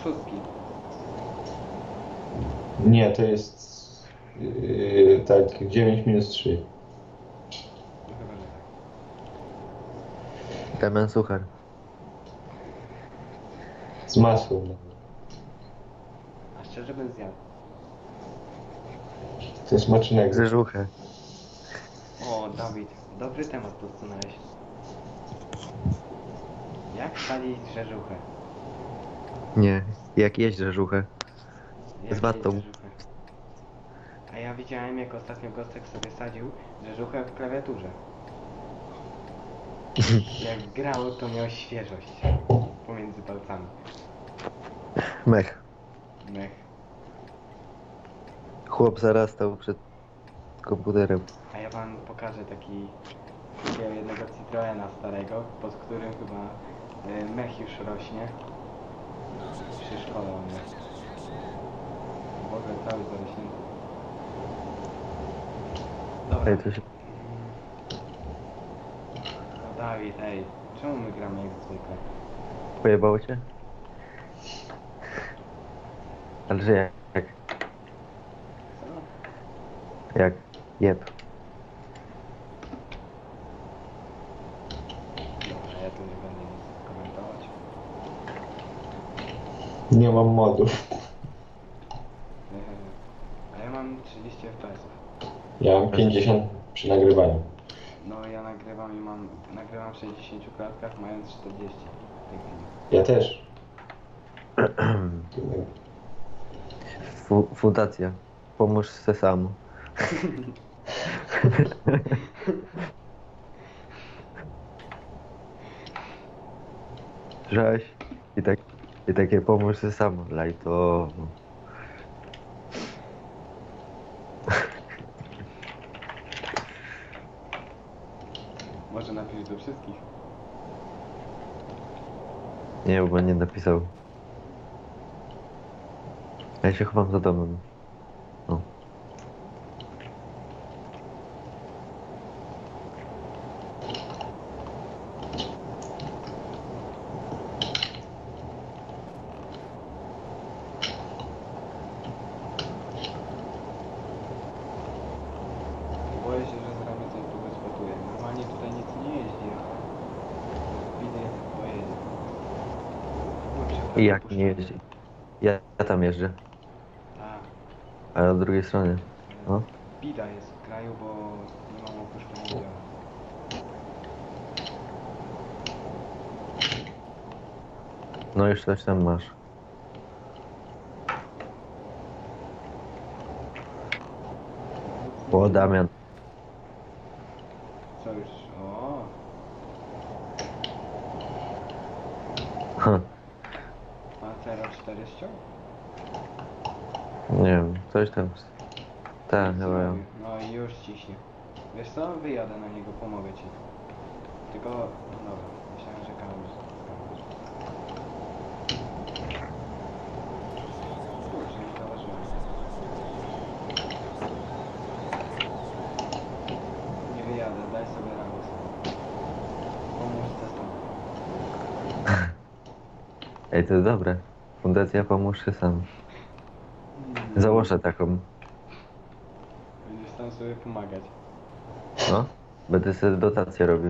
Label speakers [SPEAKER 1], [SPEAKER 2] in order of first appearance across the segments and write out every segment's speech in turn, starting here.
[SPEAKER 1] szóstki.
[SPEAKER 2] Nie, to jest tak 9 minus 3.
[SPEAKER 1] No chyba, że tak.
[SPEAKER 3] Damian Suchar.
[SPEAKER 2] Z masłem.
[SPEAKER 1] A szczerze bym zjadł.
[SPEAKER 2] To jest smacznego.
[SPEAKER 3] Grzeżuchę.
[SPEAKER 1] O, Dawid, dobry temat podsunąłeś. Jak spalić grzeżuchę?
[SPEAKER 3] Nie, jak jeść grzeżuchę.
[SPEAKER 1] Jak
[SPEAKER 3] Z watą.
[SPEAKER 1] jeść grzeżuchę? A ja widziałem, jak ostatnio Gostek sobie sadził grzeżuchę w klawiaturze. Jak grał, to miał świeżość pomiędzy palcami.
[SPEAKER 3] Mech.
[SPEAKER 1] Mech.
[SPEAKER 3] Chłop zarastał przed komputerem.
[SPEAKER 1] A ja wam pokażę takiego jednego Citroena starego, pod którym chyba mech już rośnie. Przy szkole on jest. W ogóle cały zarośnięty. Dobra.
[SPEAKER 3] Ej, to się...
[SPEAKER 1] No Dawid, ej, czemu my gramy jak zwykle?
[SPEAKER 3] Pojebało cię? Ale że jak?
[SPEAKER 1] Co?
[SPEAKER 3] Jak? Jeb.
[SPEAKER 1] Dobra, ja tu nie będę nic komentować.
[SPEAKER 2] Nie mam modów.
[SPEAKER 1] A ja mam 30 fps.
[SPEAKER 2] Ja mam 50 przy nagrywaniu.
[SPEAKER 1] No ja nagrywam i nagrywam w 60 klatkach, mając 40 w tej chwili.
[SPEAKER 2] Ja też.
[SPEAKER 3] Fundacja. Pomóż se sam. Żeś. I takie pomóż se sam. Lajto.
[SPEAKER 1] Może napisz do wszystkich.
[SPEAKER 3] Nie, bo nie napisał. Ja się chowam za domem. No.
[SPEAKER 1] Boję się, że z ramy coś tu wyspotuje. Normalnie tutaj nic nie jeździ, ale widzę jak pojedzie.
[SPEAKER 3] I jak nie jeździ? Ja tam jeżdżę.
[SPEAKER 1] Tak.
[SPEAKER 3] Ale od drugiej strony. No.
[SPEAKER 1] Bida jest w kraju, bo nie mam opuszczonego biała.
[SPEAKER 3] No już coś tam masz. O, Damian.
[SPEAKER 1] Co już? O,
[SPEAKER 3] Ha,
[SPEAKER 1] Pantera 4 ściął?
[SPEAKER 3] nie wiem, coś tam. Tak,
[SPEAKER 1] Nic
[SPEAKER 3] chyba.
[SPEAKER 1] nie robi. No i już ciśnie. Wiesz co? Wyjadę na niego, pomogę ci. Tylko, no dobra, myślałem, że kamerz. Kurczę, nie zauważyłem. Nie wyjadę, daj sobie radę. Pomóż testom.
[SPEAKER 3] Ej, to jest dobre. Fundacja Pomóż się sam. Założę taką.
[SPEAKER 1] Będziesz tam sobie pomagać.
[SPEAKER 3] No. Będę sobie dotację robił.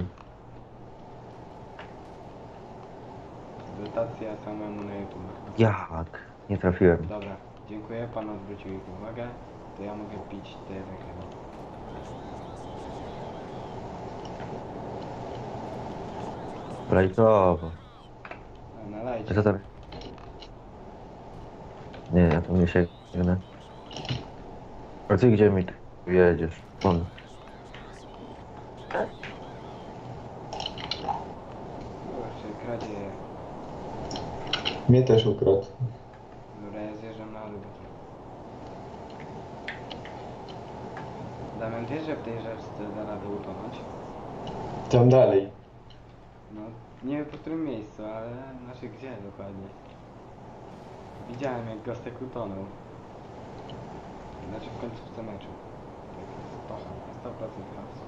[SPEAKER 1] Dotacja samemu na YouTube.
[SPEAKER 3] Jak? Nie trafiłem.
[SPEAKER 1] Dobra, dziękuję, pan odwrócił ich uwagę. To ja mogę pić te chyba.
[SPEAKER 3] Lajtowo.
[SPEAKER 1] A nalajcie.
[SPEAKER 3] Co tam? Nie, ja tam nie sięgnę. A ty gdzie mi tu jedziesz? On.
[SPEAKER 1] Kurczę, kradzieje.
[SPEAKER 2] Mnie też ukradł.
[SPEAKER 1] Dobra, ja zjeżdżam na dół. Damian, wiesz, że w tej rzeczce da radę utonąć?
[SPEAKER 2] Tam dalej.
[SPEAKER 1] No, nie wiem po którym miejscu, ale znaczy gdzie dokładnie. Widziałem jak Gostek utonął. Znaczy w końcówce meczu. Tak, pacha, 100% raz.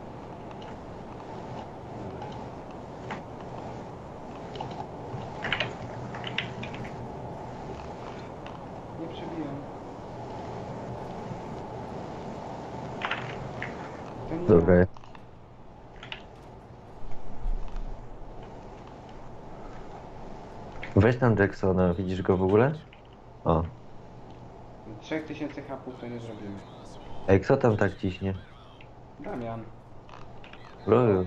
[SPEAKER 1] nie
[SPEAKER 3] Dobra.
[SPEAKER 1] ma.
[SPEAKER 3] Weź tam Jacksona, widzisz go w ogóle? O.
[SPEAKER 1] 3000 hapów to nie zrobimy.
[SPEAKER 3] Ej, kto tam tak ciśnie?
[SPEAKER 1] Damian.
[SPEAKER 3] Loju,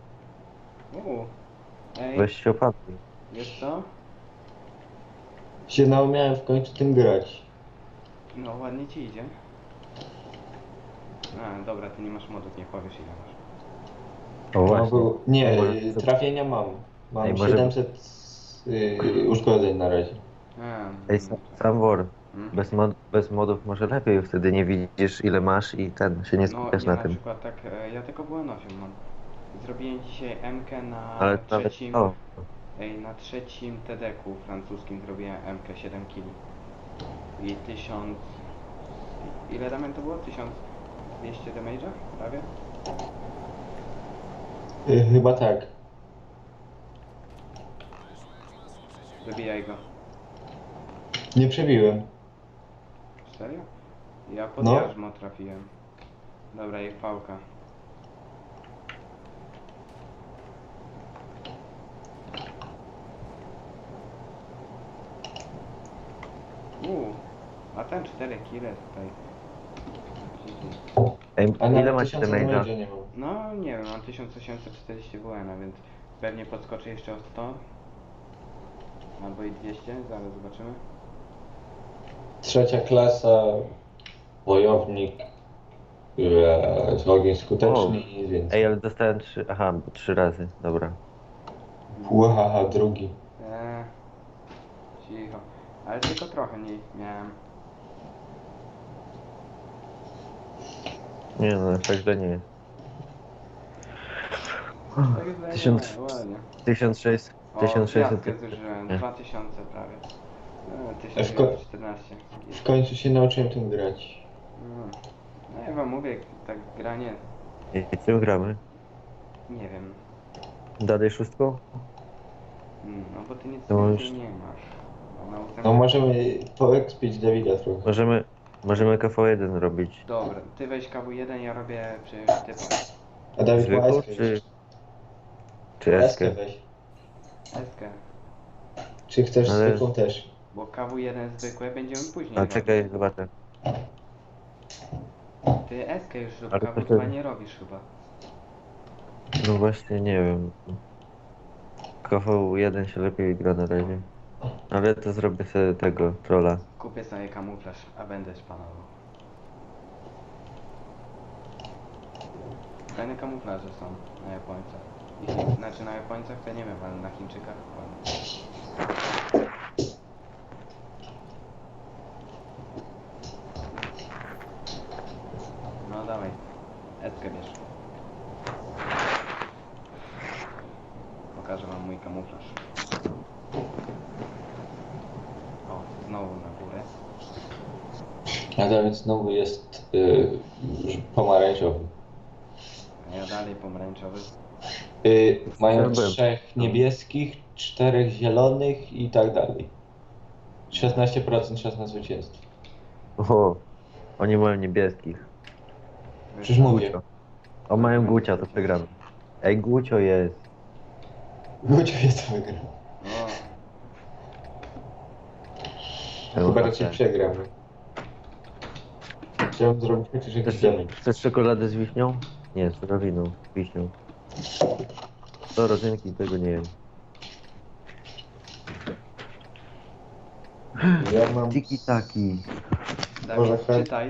[SPEAKER 1] Ej,
[SPEAKER 3] weź się opatruj.
[SPEAKER 1] wiesz co?
[SPEAKER 2] Się naumiałem w końcu tym grać.
[SPEAKER 1] No ładnie ci idzie. A, dobra, ty nie masz modów, nie powiesz ile masz.
[SPEAKER 3] O właśnie.
[SPEAKER 2] Nie,
[SPEAKER 3] Ej, może-
[SPEAKER 2] trafienia mam. Mam
[SPEAKER 3] Ej, może-
[SPEAKER 2] 700 uszkodzeń na razie.
[SPEAKER 1] A,
[SPEAKER 3] Ej, sam War.
[SPEAKER 1] Hmm?
[SPEAKER 3] Bez modów może lepiej, wtedy nie widzisz ile masz i ten się nie
[SPEAKER 1] No
[SPEAKER 3] skupiasz
[SPEAKER 1] ja
[SPEAKER 3] na
[SPEAKER 1] na
[SPEAKER 3] tym.
[SPEAKER 1] przykład tak, ja tylko byłem 8 mam. Zrobiłem dzisiaj MK na
[SPEAKER 3] Ale nawet
[SPEAKER 1] trzecim,
[SPEAKER 3] to.
[SPEAKER 1] na trzecim TD-ku francuskim zrobiłem MK 7 kg. I 1000... Ile Damian to było? 1200 damage'a? Prawie?
[SPEAKER 2] Chyba tak.
[SPEAKER 1] Wybijaj go.
[SPEAKER 2] Nie przebiłem.
[SPEAKER 1] Serio? Ja pod
[SPEAKER 2] No.
[SPEAKER 1] jarzmo trafiłem. Dobra, i pałka. A ten 4 kile tutaj.
[SPEAKER 3] Ej,
[SPEAKER 2] A
[SPEAKER 3] ile
[SPEAKER 2] nawet
[SPEAKER 3] macie
[SPEAKER 2] 1000
[SPEAKER 3] damage'a?
[SPEAKER 2] damage'a nie mam.
[SPEAKER 1] No nie wiem, mam 1840 WN, więc pewnie podskoczy jeszcze o 100. Albo i 200, zaraz zobaczymy.
[SPEAKER 2] Trzecia klasa, wojownik, ogień skuteczny i nic więcej.
[SPEAKER 3] Ej, ale dostałem 3, aha, 3 razy, dobra.
[SPEAKER 2] Łahaha, drugi.
[SPEAKER 1] Eee, cicho. Ale tylko trochę mniej miałem.
[SPEAKER 3] Nie no, tak źle nie jest.
[SPEAKER 1] Tak jest
[SPEAKER 3] 1000
[SPEAKER 1] ładnie.
[SPEAKER 3] 1600,
[SPEAKER 1] O,
[SPEAKER 3] 1600.
[SPEAKER 1] gwiazdkę zużyłem,
[SPEAKER 3] Nie.
[SPEAKER 1] 2000 prawie.
[SPEAKER 2] A w ko-
[SPEAKER 1] 1914.
[SPEAKER 2] W końcu się nauczyłem tym grać.
[SPEAKER 1] No ja wam mówię, tak granie,
[SPEAKER 3] I czym gramy?
[SPEAKER 1] nie wiem.
[SPEAKER 3] Dalej szóstką?
[SPEAKER 1] No bo ty nic
[SPEAKER 3] To
[SPEAKER 1] więcej
[SPEAKER 3] już-
[SPEAKER 1] nie masz. A na ósemkę-
[SPEAKER 2] No możemy poekspić Dawida trochę.
[SPEAKER 3] Możemy KV1 robić.
[SPEAKER 1] Dobra, ty weź KW1, ja robię przy typach.
[SPEAKER 2] A Dawid ma
[SPEAKER 3] Zwykłą
[SPEAKER 2] eskę.
[SPEAKER 3] czy
[SPEAKER 2] Eskę
[SPEAKER 3] eskę?
[SPEAKER 2] weź.
[SPEAKER 1] Eskę.
[SPEAKER 2] Czy chcesz
[SPEAKER 3] Ale-
[SPEAKER 2] zwykłą też?
[SPEAKER 1] Bo KW1 zwykłe będziemy później
[SPEAKER 3] A
[SPEAKER 1] robić.
[SPEAKER 3] czekaj, zobaczę.
[SPEAKER 1] Ty eskę już rób,
[SPEAKER 3] Ale to
[SPEAKER 1] KW2
[SPEAKER 3] wtedy-
[SPEAKER 1] nie robisz chyba.
[SPEAKER 3] No właśnie, nie wiem. KV1 się lepiej gra na razie. Ale to zrobię sobie tego trolla.
[SPEAKER 1] Kupię sobie kamuflaż, a będę szpanował. Fajne kamuflaże są na Japońcach. Znaczy na Japońcach to nie wiem, ale na Chińczykach ładnie. No dawaj, Edkę bierz. Pokażę wam mój kamuflaż. O, znowu na górę.
[SPEAKER 2] A Dawid znowu jest już pomarańczowy.
[SPEAKER 1] A ja dalej pomarańczowy.
[SPEAKER 2] Mają
[SPEAKER 3] Byłem.
[SPEAKER 2] 3 niebieskich, 4 zielonych i tak dalej. 16% szans na zwycięstwo.
[SPEAKER 3] O, oni mają niebieskich.
[SPEAKER 2] Przecież mówię.
[SPEAKER 3] O, mają Gucia, to przegramy. Ej, Gucio jest.
[SPEAKER 2] Gucio jest wygrał.
[SPEAKER 1] O,
[SPEAKER 2] Chyba raczej przegramy. Chciałem zrobić chociaż jakiś
[SPEAKER 3] Chcesz,
[SPEAKER 2] damage.
[SPEAKER 3] chcesz czekoladę z wiśnią? Nie, z żurawiną, z wiśnią. To rodzynki, tego nie wiem.
[SPEAKER 2] Ja mam...
[SPEAKER 3] Tiki-taki.
[SPEAKER 2] Może
[SPEAKER 1] Dawid, czytaj.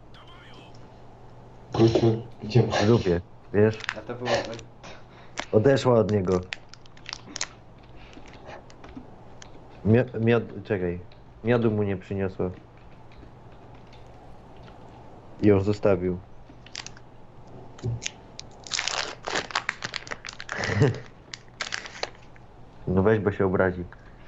[SPEAKER 2] Guciu, gdzie masz?
[SPEAKER 3] Lubię, wiesz?
[SPEAKER 1] A to było...
[SPEAKER 3] Odeszła od niego. Czekaj. Miodu mu nie przyniosła. I ją zostawił. No weź, bo się obrazi.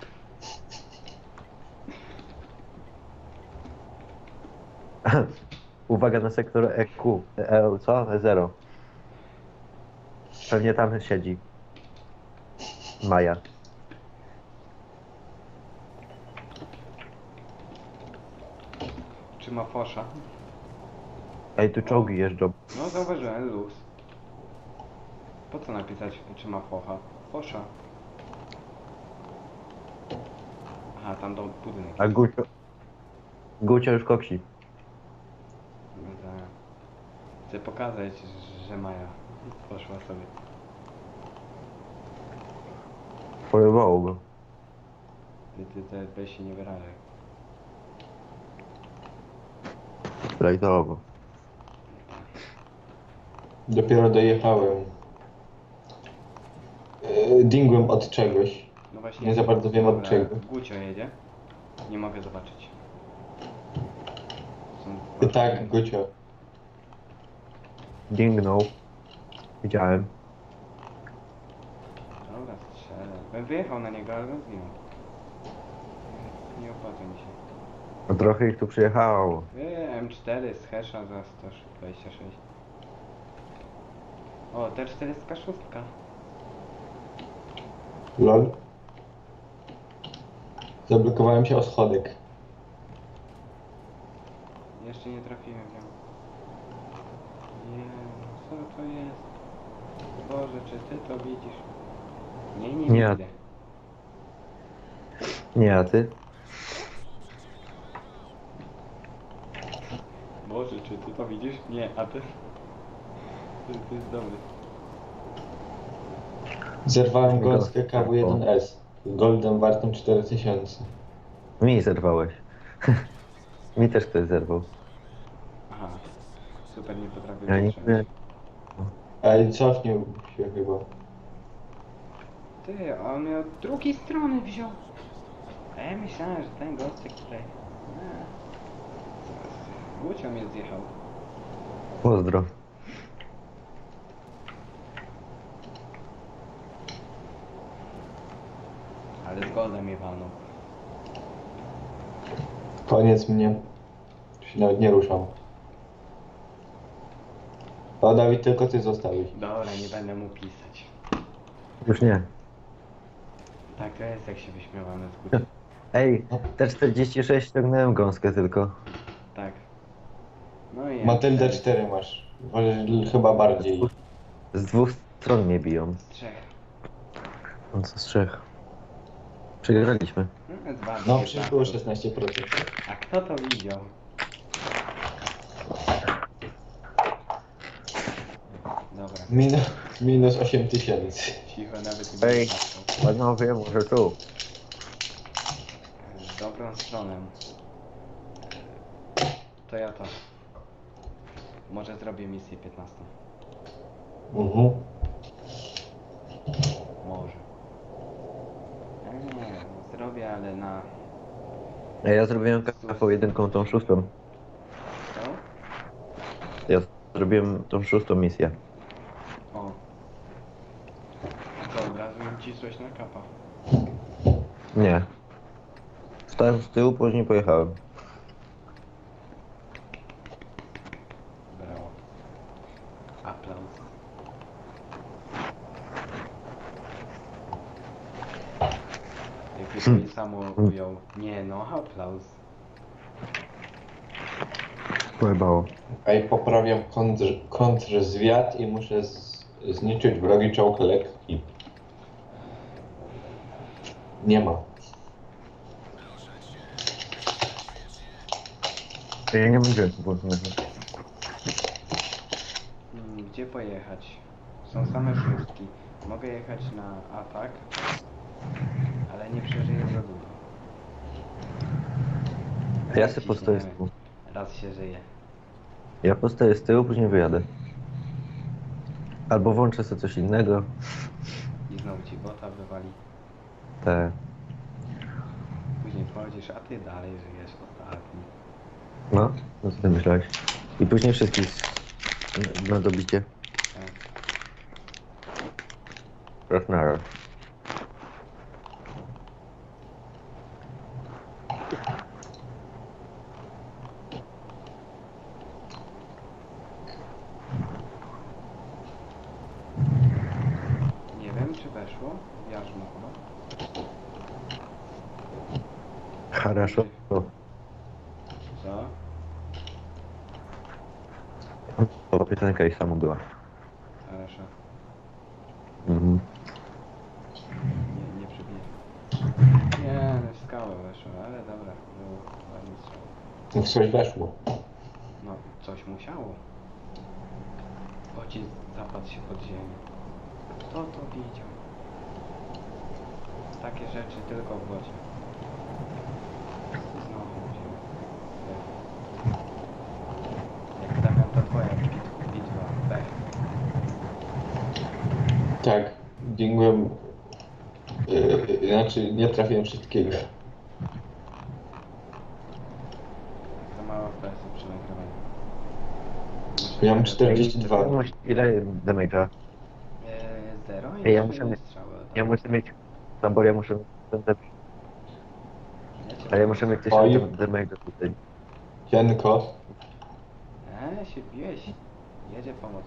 [SPEAKER 3] Uwaga na sektor EQ. Co? E0. Pewnie tam siedzi. Maja.
[SPEAKER 1] Czy ma fosza?
[SPEAKER 3] Ej, tu czołgi jeżdżą.
[SPEAKER 1] No zauważyłem, luz. Po co napisać, czy ma focha? Fosza. Aha, tam do budynek.
[SPEAKER 3] A Gucio już koksi.
[SPEAKER 1] No tak. Chcę pokazać, że Maja poszła sobie.
[SPEAKER 3] Porywało go.
[SPEAKER 1] Ty weź się nie wyrażaj.
[SPEAKER 3] Lajtowo.
[SPEAKER 2] Dopiero dojechałem. Dingłem od czegoś.
[SPEAKER 1] No właśnie.
[SPEAKER 2] Nie za bardzo wiem od
[SPEAKER 1] dobra,
[SPEAKER 2] czego.
[SPEAKER 1] Gucio jedzie. Nie mogę zobaczyć.
[SPEAKER 2] Tak, Gucio.
[SPEAKER 3] Dingnął. Widziałem.
[SPEAKER 1] Dobra, strzelę. Bym wyjechał na niego, ale bym zginął. Nie opłaca mi się.
[SPEAKER 3] No trochę ich tu przyjechało.
[SPEAKER 1] M4 z Hesha za 126. O, T406.
[SPEAKER 2] Lol. Zablokowałem się o schodek.
[SPEAKER 1] Jeszcze nie trafiłem w nią. Nie, co to jest? Boże, czy ty to widzisz? Nie
[SPEAKER 3] Nie.
[SPEAKER 1] widzę.
[SPEAKER 3] Nie, a ty?
[SPEAKER 1] Boże, czy ty to widzisz? Nie, a ty? Ty jest dobry.
[SPEAKER 2] Zerwałem gąskę KW1S. Z goldem wartym 4000.
[SPEAKER 3] Mi zerwałeś. Mi też ktoś zerwał.
[SPEAKER 1] Aha. Super, nie potrafię
[SPEAKER 3] Ja nie
[SPEAKER 1] wytrzymać.
[SPEAKER 2] Ale cofnął się chyba.
[SPEAKER 1] Ty, a on mnie od drugiej strony wziął. A ja myślałem, że ten gostek tutaj... Gucio mnie zjechał.
[SPEAKER 3] Pozdro.
[SPEAKER 1] Ale z goldem mnie walnął.
[SPEAKER 2] Koniec mnie. Się nawet nie ruszam. O, Dawid, tylko ty zostałeś.
[SPEAKER 1] Dobra, nie będę mu pisać.
[SPEAKER 3] Już nie.
[SPEAKER 1] Tak to jest, jak się wyśmiewamy z Gucio.
[SPEAKER 3] Ej, T46 ściągnąłem gąskę tylko.
[SPEAKER 1] Tak. No i
[SPEAKER 2] Matyldę
[SPEAKER 1] M4
[SPEAKER 2] 4 masz. Wolę chyba bardziej.
[SPEAKER 3] Z dwóch stron mnie biją.
[SPEAKER 1] z trzech.
[SPEAKER 3] No co z trzech. Przegraliśmy.
[SPEAKER 1] No, dwa,
[SPEAKER 2] No,
[SPEAKER 1] dwie,
[SPEAKER 2] przecież
[SPEAKER 1] tak.
[SPEAKER 2] było 16%.
[SPEAKER 1] A kto to widział? Dobra,
[SPEAKER 2] Minus 8000.
[SPEAKER 1] cicho, nawet nie
[SPEAKER 3] Ej.
[SPEAKER 1] będę patrzał.
[SPEAKER 3] Panowie, może tu.
[SPEAKER 1] W dobrą stronę. To ja to. Może zrobię misję 15. Może. Nie, zrobię, ale na...
[SPEAKER 3] Ej, ja zrobiłem KV1 tą szóstą.
[SPEAKER 1] Co?
[SPEAKER 3] Ja zrobiłem tą szóstą misję.
[SPEAKER 1] O. To od razu mi cisłeś na kapa.
[SPEAKER 3] Nie. Stałem z tyłu, później pojechałem.
[SPEAKER 1] Brawo. Aplauz. Jakby to mi samo ujął. Nie no, aplauz.
[SPEAKER 3] Pojebało.
[SPEAKER 2] A i poprawiam kontrzwiat i muszę zniszczyć wrogi czołg lekki. Nie ma.
[SPEAKER 3] Ja nie mam dźwięku włączonego.
[SPEAKER 1] Gdzie pojechać? Są same szóstki. Mogę jechać na atak, ale nie przeżyję za długo.
[SPEAKER 3] Ja sobie postoję z tyłu.
[SPEAKER 1] Raz się żyje.
[SPEAKER 3] Ja postoję z tyłu, później wyjadę. Albo włączę sobie coś innego.
[SPEAKER 1] I znowu ci bota wywali.
[SPEAKER 3] Te.
[SPEAKER 1] Później wchodzisz, a ty dalej żyjesz ostatni.
[SPEAKER 3] No, no co ty myślałeś? I później wszystkich na dobicie.
[SPEAKER 1] Tak.
[SPEAKER 3] Raz na raz.
[SPEAKER 1] Nie wiem, czy weszło. Jarzmo chyba.
[SPEAKER 3] Хорошо.
[SPEAKER 1] Co?
[SPEAKER 3] Chłopie. skrzynka i samo była.
[SPEAKER 1] Хорошо.
[SPEAKER 3] Mhm.
[SPEAKER 1] Nie przebiję. Nie, no w skałę weszło, ale dobra. Było ładnie strzał.
[SPEAKER 2] No coś weszło.
[SPEAKER 1] No, coś musiało. Pocisk zapadł się pod ziemię. Kto to widział? Takie rzeczy tylko w wodzie. Znowu ziemia. Jak Damian, to twoja bitwa. Pech.
[SPEAKER 2] Tak, dźwigłem. Znaczy, nie trafiłem wszystkiego.
[SPEAKER 1] Za mało FPS przy nagrywaniu.
[SPEAKER 2] Ja mam 42.
[SPEAKER 3] Ile damage'a?
[SPEAKER 1] Zero i
[SPEAKER 3] Ej, ja
[SPEAKER 1] 3
[SPEAKER 3] muszę mieć-
[SPEAKER 1] strzały.
[SPEAKER 3] Ja muszę mieć... No bo ja muszę mieć...
[SPEAKER 1] Ja
[SPEAKER 3] Ale ja muszę mieć
[SPEAKER 2] Oj.
[SPEAKER 3] 1000 damage'a tutaj.
[SPEAKER 2] Janko,
[SPEAKER 1] się biłeś. Jedzie pomoc.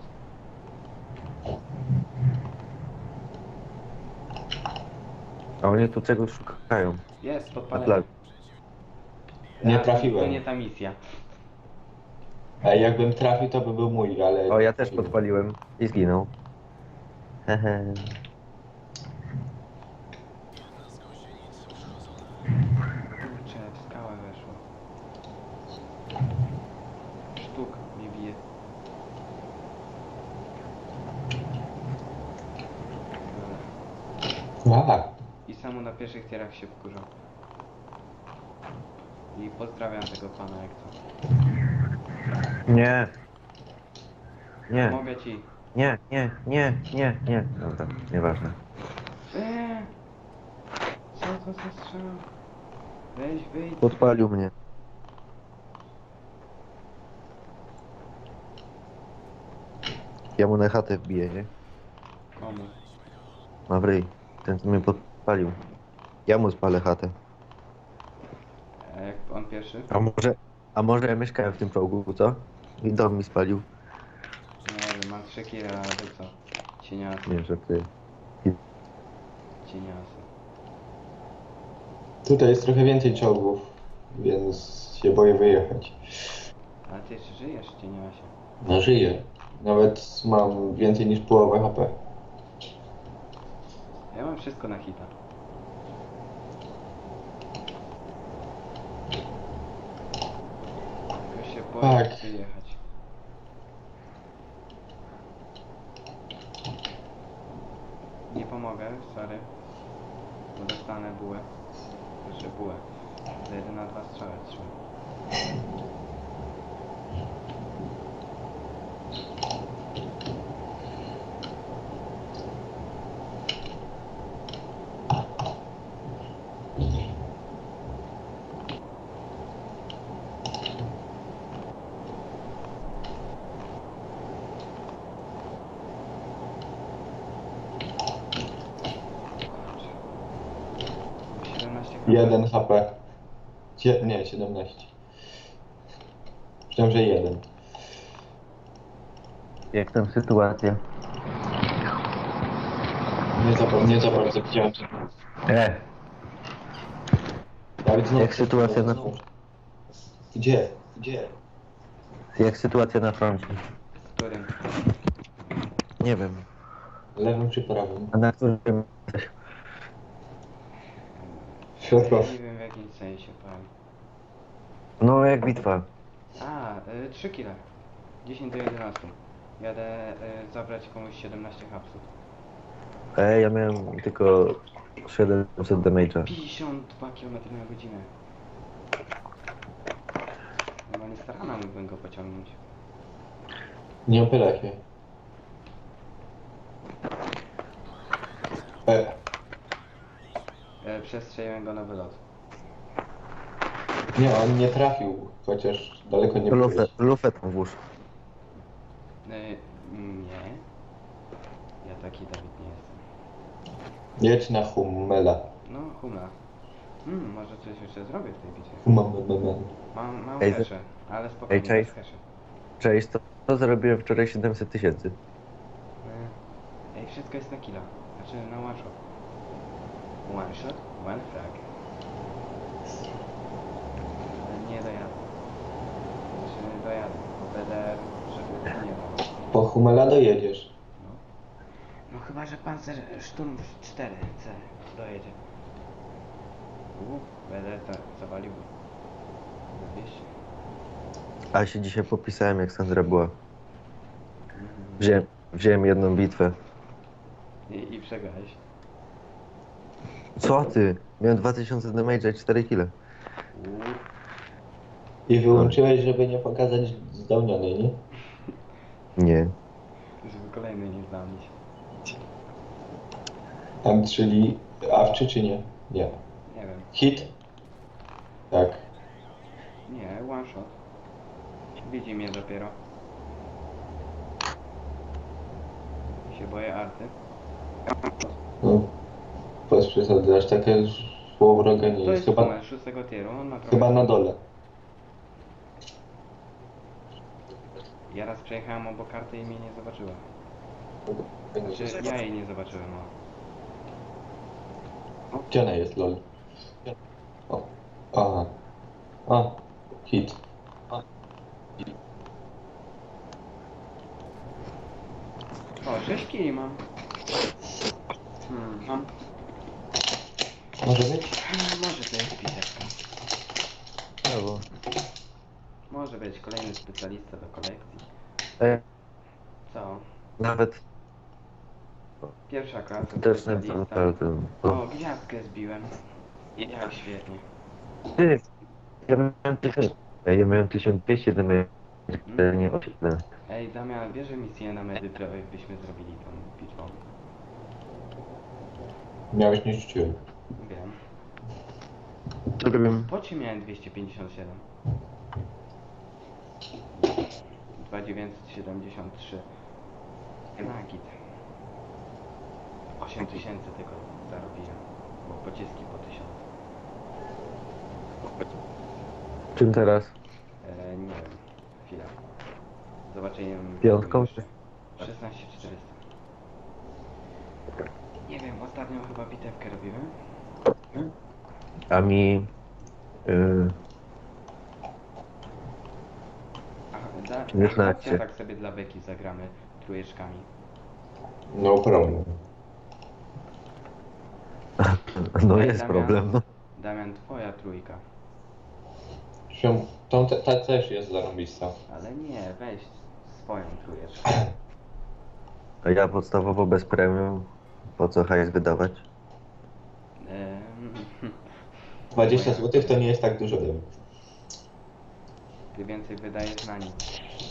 [SPEAKER 3] A oni tu czegoś szukają.
[SPEAKER 1] Jest,
[SPEAKER 3] Na
[SPEAKER 1] podpalenie.
[SPEAKER 3] plaży.
[SPEAKER 2] nie
[SPEAKER 1] To
[SPEAKER 2] trafiłem.
[SPEAKER 1] nie ta misja.
[SPEAKER 2] A jakbym trafił, to by był mój, ale...
[SPEAKER 3] O, ja też podpaliłem i zginął. Hehe.
[SPEAKER 1] Kurczę, w skałę weszło. Sztuk mnie bije. Dobra.
[SPEAKER 2] A,
[SPEAKER 1] I samo na pierwszych tierach się wkurzał. I pozdrawiam tego pana jak co.
[SPEAKER 3] Nie. Nie.
[SPEAKER 1] Mogę ci.
[SPEAKER 3] Nie. Dobra, nieważne.
[SPEAKER 1] Co to za strzał? Weź, wyjdź.
[SPEAKER 3] Podpalił mnie. Ja mu na chatę wbiję, nie?
[SPEAKER 1] Komu?
[SPEAKER 3] Mawryj, ten co mnie podpalił. Ja mu spalę chatę.
[SPEAKER 1] A jak on pierwszy?
[SPEAKER 3] A może ja mieszkałem w tym czołgu, co? I dom mi spalił.
[SPEAKER 1] Nie wiem, mam 3 kile, a ty co? Cieniasy,
[SPEAKER 3] Nie, że ty.
[SPEAKER 1] cieniasy.
[SPEAKER 2] tutaj jest trochę więcej czołgów, więc się boję wyjechać.
[SPEAKER 1] Ale ty jeszcze żyjesz, cieniasie.
[SPEAKER 2] No żyję. Nawet mam więcej niż połowę HP.
[SPEAKER 1] Ja mam wszystko na hita. Tylko się boję
[SPEAKER 2] Tak.
[SPEAKER 1] wyjechać. Nie pomogę, sorry. Bo dostanę bułę. Znaczy bułę. Za 1 na 2 strzały trzymam. Kurczę. 17 HP.
[SPEAKER 2] 1 HP. Nie, 17. Myślałem, że 1.
[SPEAKER 3] Jak tam sytuacja?
[SPEAKER 2] Nie za bardzo widziałem. Dawid, znowu.
[SPEAKER 3] Jak sytuacja na...
[SPEAKER 2] Gdzie? Gdzie?
[SPEAKER 3] Jak sytuacja na froncie?
[SPEAKER 1] W którym?
[SPEAKER 3] Nie wiem.
[SPEAKER 2] Lewym czy prawym?
[SPEAKER 3] A na którym jesteś?
[SPEAKER 2] Środkowy.
[SPEAKER 1] Nie wiem w jakim sensie, powiem.
[SPEAKER 3] No jak bitwa.
[SPEAKER 1] 3 kile. 10 do 11. Jadę zabrać komuś 17 hapsów.
[SPEAKER 3] Ja miałem tylko 700 damage'a.
[SPEAKER 1] 52 km na godzinę. Normalnie starana mógłbym go pociągnąć.
[SPEAKER 2] Nie opylaj się.
[SPEAKER 1] Przestrzeliłem go na wylot.
[SPEAKER 2] Nie, on nie trafił, chociaż daleko nie byłeś.
[SPEAKER 3] Lufetą włóż.
[SPEAKER 1] Nie. Ja taki Dawid nie jestem.
[SPEAKER 2] Jedź na Hummela.
[SPEAKER 1] No, humla. Może coś jeszcze zrobię w tej bitwie. Mam
[SPEAKER 3] Ej,
[SPEAKER 1] hesze, ale spokojnie,
[SPEAKER 3] ej, cześć.
[SPEAKER 1] bez heszy.
[SPEAKER 3] Cześć, to zarobiłem wczoraj 700 tysięcy.
[SPEAKER 1] Ej, wszystko jest na killa. Znaczy na one shot. One shot, one frag. Ale nie dojadę. Znaczy dojadę, bo BDR, żeby nie było.
[SPEAKER 2] Po Humela dojedziesz.
[SPEAKER 1] No. No chyba, że Panzer Sturm 4C dojedzie. Będę tak zawalił. Za 200.
[SPEAKER 3] A się dzisiaj popisałem, jak Sandra była.
[SPEAKER 1] Mhm.
[SPEAKER 3] Wziąłem jedną bitwę.
[SPEAKER 1] I przegrałeś.
[SPEAKER 3] Co ty? Miałem 2000 damage i 4 kile.
[SPEAKER 1] Uuu.
[SPEAKER 2] I wyłączyłeś, żeby nie pokazać zdolnionej, nie?
[SPEAKER 3] Nie.
[SPEAKER 1] Żeby kolejny nie zdałnić.
[SPEAKER 2] Tam, czyli awczy czy nie? Nie.
[SPEAKER 1] Nie wiem.
[SPEAKER 2] Hit? Tak.
[SPEAKER 1] Nie, one shot. Widzi mnie dopiero. Się boję arty.
[SPEAKER 2] No. Bez przesady, aż takie słowo wroga nie
[SPEAKER 1] To
[SPEAKER 2] jest.
[SPEAKER 1] jest
[SPEAKER 2] Chyba,
[SPEAKER 1] numer 6 tieru, on ma trochę...
[SPEAKER 2] chyba na dole.
[SPEAKER 1] Ja raz przejechałem obok karty i mnie nie zobaczyła. Znaczy, ja jej nie zobaczyłem, no.
[SPEAKER 2] Gdzie ona jest, lol? O. Aha. A. Hit.
[SPEAKER 1] O, 6 kili mam. Mam.
[SPEAKER 2] Może być?
[SPEAKER 1] Może to jest piseczka.
[SPEAKER 3] Brawo.
[SPEAKER 1] Może być kolejny specjalista do kolekcji. Co?
[SPEAKER 3] Nawet
[SPEAKER 1] Pierwsza klasa
[SPEAKER 3] też nie
[SPEAKER 1] specjalista. O, gwiazdkę zbiłem. Jak świetnie.
[SPEAKER 3] Ty, ja miałem 1200 damage, nie 8.
[SPEAKER 1] Ej, Damian, bierze misję na Medypro, jakbyśmy zrobili tą bitwą.
[SPEAKER 2] Miałeś nie rzuciłem.
[SPEAKER 1] Wiem.
[SPEAKER 3] Zrobiłem.
[SPEAKER 1] Po czym miałem 257? 2973. Na git. 8000 tylko zarobiłem. Bo pociski po 1000.
[SPEAKER 3] Czym teraz?
[SPEAKER 1] Nie wiem. Chwila. Zobaczenie.
[SPEAKER 3] Piątką?
[SPEAKER 1] 16400. Nie wiem, ostatnio chyba bitewkę robiłem.
[SPEAKER 3] A mi...
[SPEAKER 1] Aha,
[SPEAKER 3] 16.
[SPEAKER 1] chodźcie, tak sobie dla beki zagramy trójeczkami.
[SPEAKER 2] No problem.
[SPEAKER 3] No
[SPEAKER 1] Ej,
[SPEAKER 3] jest
[SPEAKER 1] Damian.
[SPEAKER 3] problem, no.
[SPEAKER 1] Damian, twoja trójka.
[SPEAKER 2] Ta też jest zarąbista.
[SPEAKER 1] Ale nie, weź swoją trójeczkę.
[SPEAKER 3] A ja podstawowo bez premium. Po co hajs wydawać?
[SPEAKER 2] 20 zł to nie jest tak dużo dla mnie.
[SPEAKER 1] Ty więcej wydajesz na nic.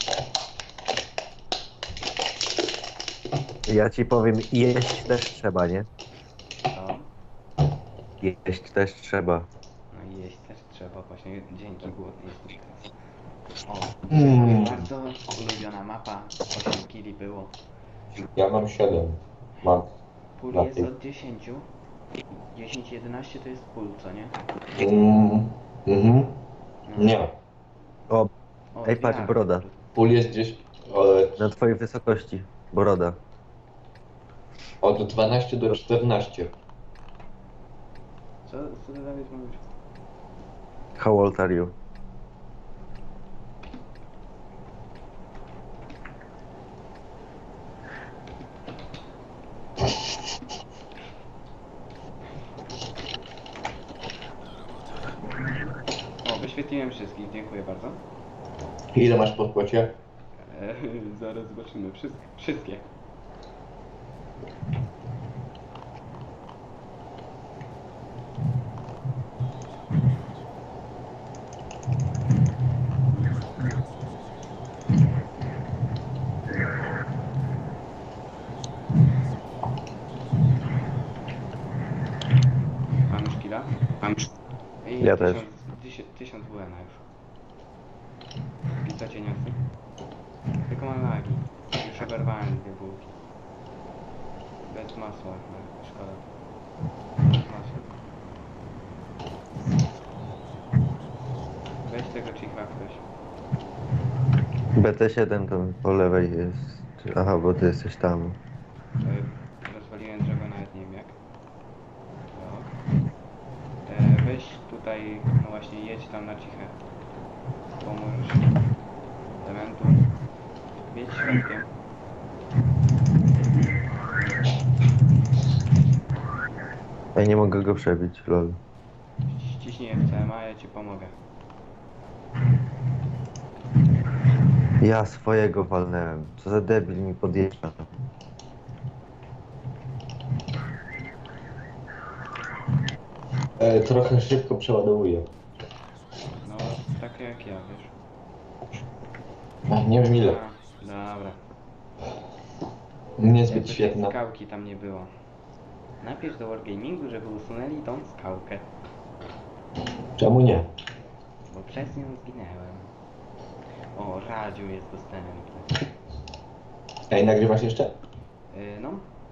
[SPEAKER 3] Ja ci powiem, jeść też trzeba, nie?
[SPEAKER 1] Co?
[SPEAKER 3] Jeść też trzeba.
[SPEAKER 1] No i jeść też trzeba, właśnie dzięki głodny jestem teraz. O, bardzo ulubiona mapa. 8 kili było.
[SPEAKER 2] Ja mam 7. Mam.
[SPEAKER 1] Pól
[SPEAKER 2] Na
[SPEAKER 1] jest
[SPEAKER 2] tych.
[SPEAKER 1] od 10. 10-11 to jest pól, co nie?
[SPEAKER 2] Mhm.
[SPEAKER 1] No.
[SPEAKER 2] Nie.
[SPEAKER 3] O,
[SPEAKER 1] O,
[SPEAKER 3] ej, patrz,
[SPEAKER 1] dwie
[SPEAKER 3] broda.
[SPEAKER 1] arty.
[SPEAKER 2] Pól jest gdzieś
[SPEAKER 3] Na twojej wysokości. Broda.
[SPEAKER 2] od 12 do 14.
[SPEAKER 1] Co ty Dawid mówisz?
[SPEAKER 3] How old are you?
[SPEAKER 1] O, wyświetliłem wszystkich, dziękuję bardzo.
[SPEAKER 2] Ile masz po płacie?
[SPEAKER 1] Zaraz zobaczymy. Wszystkie. Mam już killa? Mam już. I
[SPEAKER 3] Ja też.
[SPEAKER 1] 1000 WN już. Pizza cię niosę. Tylko mam lagi. Już oberwałem 2 bułki. Bez masła, no, szkoda. Bez masła. Weź tego chicha ktoś.
[SPEAKER 3] BT7 to po lewej jest. Aha, bo ty jesteś tam.
[SPEAKER 1] Rozwaliłem drzewo, nawet nie wiem jak. No. Weź tutaj, no właśnie jedź tam na ciche. Pomóż elementu. Jedź środkiem.
[SPEAKER 3] Ja nie mogę go przebić, lol.
[SPEAKER 1] Ściśnij FCM-a, ja ci pomogę.
[SPEAKER 3] Ja swojego walnęłem. Co za debil mi podjeżdża.
[SPEAKER 2] Trochę szybko przeładowuję.
[SPEAKER 1] No, tak jak ja, wiesz.
[SPEAKER 2] Nie wiem ile.
[SPEAKER 1] Dobra.
[SPEAKER 2] Niezbyt
[SPEAKER 1] Jakby tej
[SPEAKER 2] świetna.
[SPEAKER 1] skałki tam nie było. Napisz do Wargamingu, żeby usunęli tą skałkę.
[SPEAKER 2] Czemu nie?
[SPEAKER 1] Bo przez nią zginęłem. O, radio jest dostępne.
[SPEAKER 2] Ej, nagrywasz jeszcze?
[SPEAKER 1] No.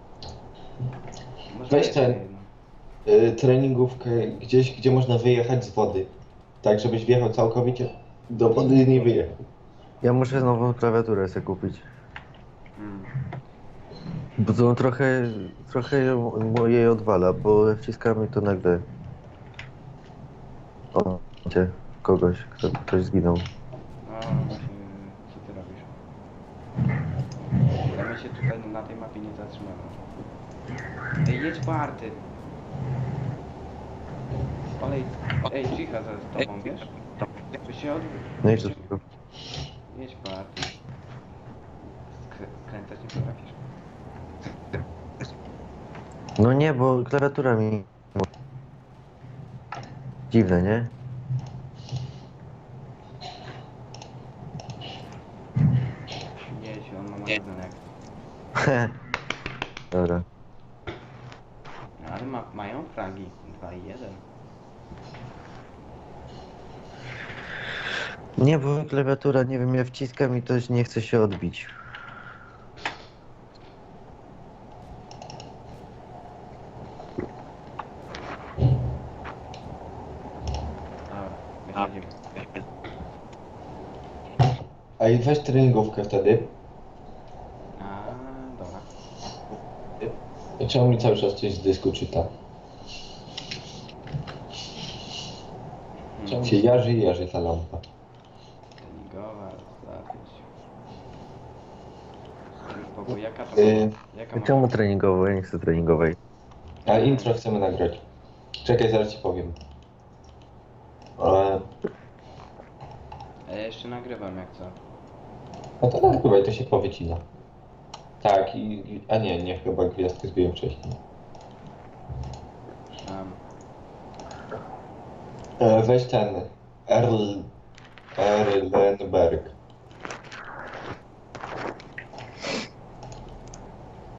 [SPEAKER 1] Może
[SPEAKER 2] Weź
[SPEAKER 1] jeszcze
[SPEAKER 2] ten.
[SPEAKER 1] jedno.
[SPEAKER 2] Treningówkę gdzieś, gdzie można wyjechać z wody. Tak, żebyś wjechał całkowicie do wody i nie wyjechał.
[SPEAKER 3] Ja muszę nową klawiaturę sobie kupić.
[SPEAKER 1] Hmm.
[SPEAKER 3] Bo to trochę jej odwala, bo wciskamy to nagle. O, gdzie? Ktoś zginął.
[SPEAKER 1] No właśnie, co ty robisz? Ja my się tutaj na tej mapie nie zatrzymamy. Ej, jedź po arty. Olej, ej, cicha za tobą, wiesz? By się
[SPEAKER 3] No i co tylko?
[SPEAKER 1] Jedź po arty. Skręcać nie potrafisz.
[SPEAKER 3] No nie, bo klawiatura mi... Dziwne, nie?
[SPEAKER 1] Jedź, on ma magazynek.
[SPEAKER 3] Dobra.
[SPEAKER 1] Ale mają fragi 2 i 1.
[SPEAKER 3] Nie, bo klawiatura, nie wiem, ja wciskam i to nie chce się odbić.
[SPEAKER 1] Dobra, wychodzimy.
[SPEAKER 2] Ej, weź treningówkę wtedy.
[SPEAKER 1] A, dobra.
[SPEAKER 2] Czemu mi cały czas coś z dysku czyta? Czemu się jarzy ta lampa?
[SPEAKER 1] Treningowa, zapiąć. Spokój, jaka to jaka ma...
[SPEAKER 3] Czemu treningowo? Ja nie chcę treningowej.
[SPEAKER 2] A intro chcemy nagrać. Czekaj, zaraz ci powiem.
[SPEAKER 1] A ja jeszcze nagrywam jak co.
[SPEAKER 2] No to nagrywaj, to się powycina. Tak, a nie, chyba gwiazdkę zbiłem wcześniej.
[SPEAKER 1] Tam.
[SPEAKER 2] Weź ten Erlenberg.